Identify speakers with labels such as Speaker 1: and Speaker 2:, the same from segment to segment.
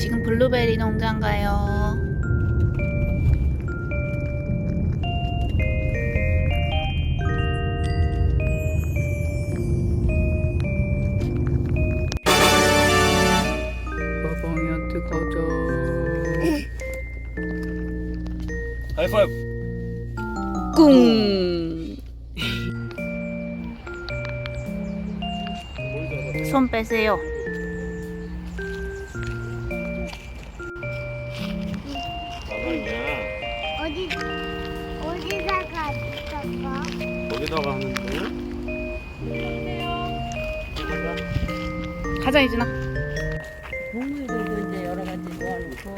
Speaker 1: 지금 블루베리 농장 가요. 가방이한테 가자.
Speaker 2: 하이파이브.
Speaker 1: 꿍. 손 빼세요.
Speaker 2: 가방이야.
Speaker 3: 어디다가 있었어?
Speaker 2: 거기다가 하는데.
Speaker 1: 가자 이준아.
Speaker 4: 동물들도 이제 여러 가지 모아놓고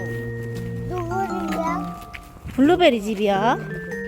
Speaker 3: 누구야?
Speaker 1: 블루베리 집이야.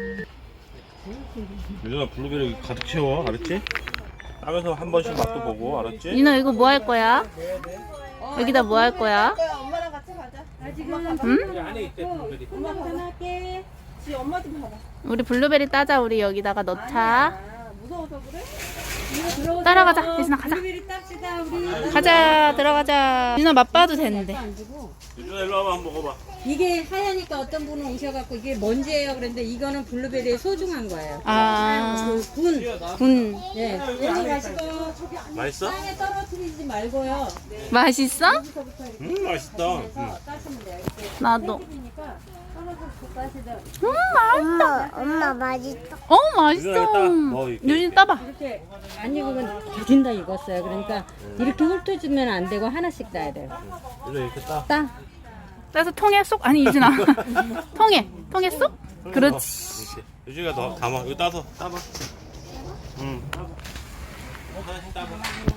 Speaker 2: 유준아 블루베리 가득 채워, 알았지? 따면서 한 번씩 맛도 보고, 알았지?
Speaker 1: 윤아 이거 뭐 할 거야? 여기다 뭐 할 거야?
Speaker 4: 엄마랑 같이 가자.
Speaker 1: 응?
Speaker 2: 안에 있대 블루베리.
Speaker 4: 엄마 전화할게. 지 엄마 좀 봐봐.
Speaker 1: 우리 블루베리 따자. 우리 여기다가 넣자.
Speaker 4: 아, 무서워서 그래? 이거 들어오세요.
Speaker 1: 따라가자. 예진아 가자.
Speaker 4: 블루베리 땁시다 우리.
Speaker 1: 가자. 들어가자. 윤아 맛봐도 되는데.
Speaker 4: 안 주고.
Speaker 2: 유준아 일로 와봐 한번 먹어봐.
Speaker 4: 이게 하얘니까 어떤 분은 오셔갖고 이게 먼지예요 그랬는데 이거는 블루베리의 소중한 거예요.
Speaker 1: 아,
Speaker 4: 그 군.
Speaker 1: 군.
Speaker 4: 예. 여기 가시고
Speaker 2: 맛있어?
Speaker 4: 땅에 떨어뜨리지 말고요.
Speaker 1: 맛있어?
Speaker 2: 맛있다.
Speaker 4: 그래서 따시면 돼요. 이렇게
Speaker 1: 나도.
Speaker 4: 그러니까 떨어져서 따시죠.
Speaker 3: 엄마 맛있어.
Speaker 1: 어,
Speaker 2: 유준아 이따
Speaker 1: 맛있어.
Speaker 2: 뭐 이렇게.
Speaker 1: 유진 따봐.
Speaker 4: 이렇게 안 익으면 거진 다 익었어요. 그러니까 이렇게 훑어주면 안 되고 하나씩 따야 돼요.
Speaker 2: 유준아 이렇게 따.
Speaker 4: 따.
Speaker 1: 따서 통에 쏙. 아니 유진아. 통에 쏙. 그렇지.
Speaker 2: 이렇게. 유준이가 너 담아. 이거 따서 따봐. 응. 하나씩 따봐.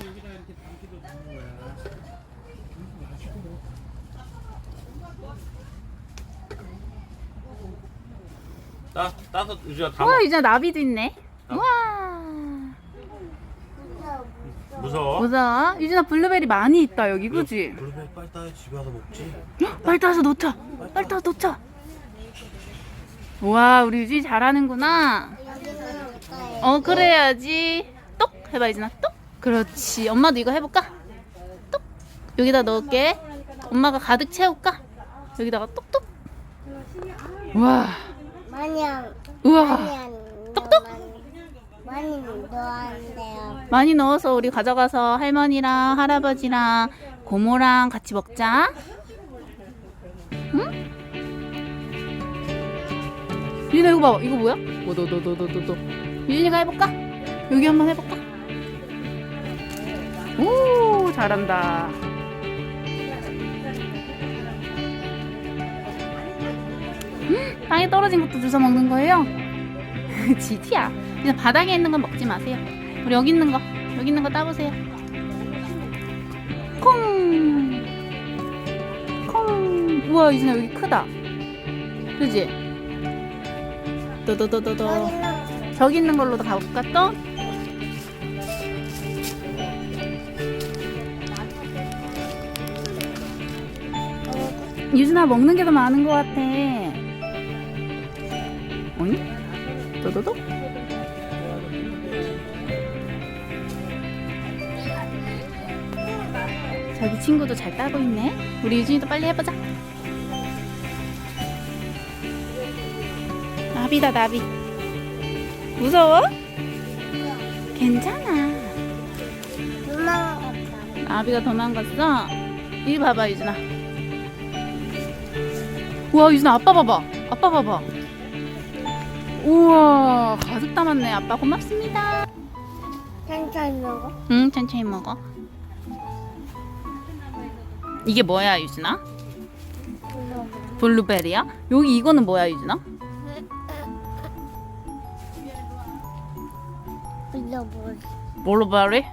Speaker 2: 따서 유준아 담아.
Speaker 1: 와 유진아 나비도 있네. 와.
Speaker 2: 무서워?
Speaker 1: 보자. 유진아 블루베리 많이 있다 여기 그지?
Speaker 2: 블루베리 빨리 따. 집에 와서 먹지.
Speaker 1: 빨리 따서 놓자. 빨리 따서 놓자. 와 우리 유진이 잘하는구나. 어 그래야지. 똑 해봐 유진아. 똑. 그렇지. 엄마도 이거 해볼까? 똑. 여기다 넣을게. 엄마가 가득 채울까? 여기다가 똑똑. 와.
Speaker 3: 많이
Speaker 1: 우와.
Speaker 3: 똑똑? 많이 넣어야
Speaker 1: 많이 넣어서 우리 가져가서 할머니랑 할아버지랑 고모랑 같이 먹자. 응? 유진아 이거 봐봐. 이거 뭐야? 오도도도도도도. 유진이가 해볼까? 여기 한번 해볼까? 오 잘한다. 땅에 떨어진 것도 주워 먹는 거예요? 지티야. 그냥 바닥에 있는 건 먹지 마세요. 우리 여기 있는 거 따보세요. 콩. 콩. 우와 유진아 여기 크다. 그지? 도도도도도. 저기 있는 걸로도 가볼까 또? 유진아 먹는 게 더 많은 것 같아. 어이? 도도도? 저기 친구도 잘 따고 있네. 우리 유진이도 빨리 해보자. 나비다 나비. 무서워? 괜찮아.
Speaker 3: 도망갔다.
Speaker 1: 나비가 도망갔어? 이리 봐봐 유진아. 우와 유진아 아빠 봐봐. 아빠 봐봐. 우와 가득 담았네. 아빠 고맙습니다.
Speaker 3: 천천히 먹어.
Speaker 1: 응 천천히 먹어. 이게 뭐야 유진아? 블루베리야? 여기 이거는 뭐야 유진아?
Speaker 3: 불러볼.
Speaker 1: 블루베리?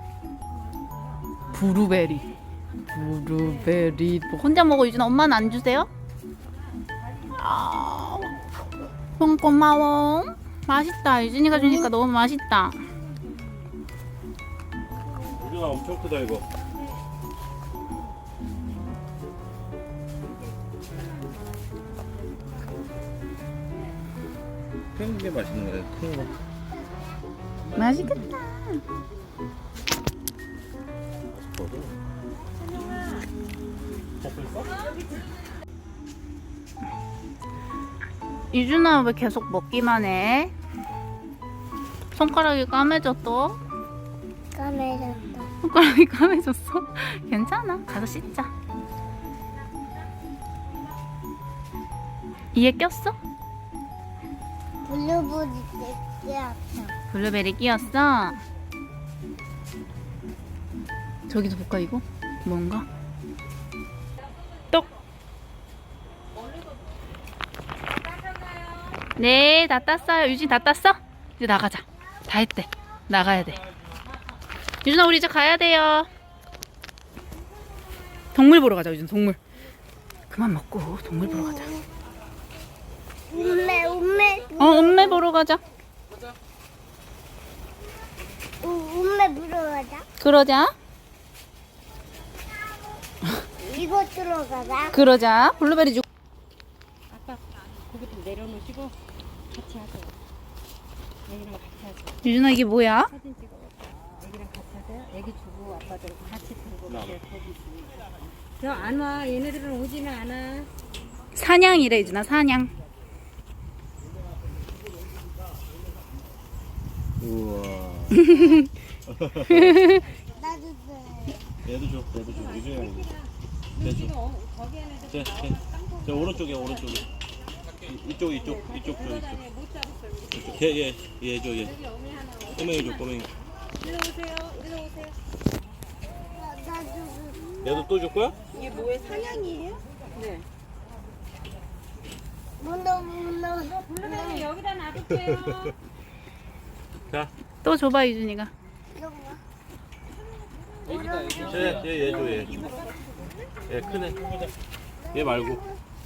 Speaker 1: 블루베리. 블루베리. 뭐 혼자 먹어 유진아. 엄마는 안 주세요? 아, 고마워. 맛있다. 유진이가 주니까 너무 맛있다.
Speaker 2: 유준아 엄청 크다 이거. 큰 게 맛있는 거야. 큰 거.
Speaker 1: 맛있겠다.
Speaker 2: 먹고 있어?
Speaker 1: 유준아 왜 계속 먹기만 해? 손가락이 까매져 또?
Speaker 3: 까매졌다.
Speaker 1: 손가락이 까매졌어? 괜찮아. 가서 씻자. 이에 꼈어?
Speaker 3: 블루베리 떼야.
Speaker 1: 블루베리 끼었어? 저기도 볼까 이거? 뭔가? 똑! 네, 다 땄어요. 유진 다 땄어? 이제 나가자. 다 했대. 나가야 돼. 유진아 우리 이제 가야 돼요. 동물 보러 가자 유진. 동물. 그만 먹고 동물 보러 가자.
Speaker 3: 운매
Speaker 1: 음매 보러 가자.
Speaker 3: 운매 들어가자.
Speaker 1: 그러자.
Speaker 3: 이거 들어가자.
Speaker 1: 그러자. 블루베리 주.
Speaker 4: 아빠 고기 좀 내려놓으시고 같이 하세요. 애기랑 같이 하세요.
Speaker 1: 유진아 이게 뭐야?
Speaker 4: 사진 찍어. 애기랑 같이 하세요. 애기 주고 아빠들 같이 들고 이렇게 고기 주고. 저안 와. 얘네들은 오지는 않아.
Speaker 1: 사냥이래 유진아 사냥.
Speaker 2: 우와.
Speaker 3: 나도 돼.
Speaker 2: 얘도 줘. 유준이가 이거. 얘 줘. 저 오른쪽에. 이쪽 줘 이쪽. 얘 줘. 꼬맹이 줘 꼬맹이.
Speaker 3: 나도
Speaker 2: 얘도 또 줄 거야?
Speaker 4: 네.
Speaker 3: 문어.
Speaker 4: 블루베리 여기다 놔둘게요.
Speaker 2: 자.
Speaker 1: 또 줘봐 유준이가.
Speaker 2: 얘 줘 얘. 얘 크네. 얘 말고.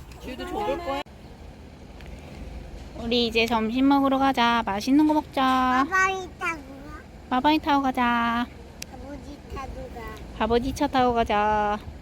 Speaker 1: 우리 이제 점심 먹으러 가자. 맛있는 거 먹자.
Speaker 3: 가방이 타고 가.
Speaker 1: 마바이 타고 가자.
Speaker 3: 아버지 타고 가.
Speaker 1: 아버지 차 타고 가자.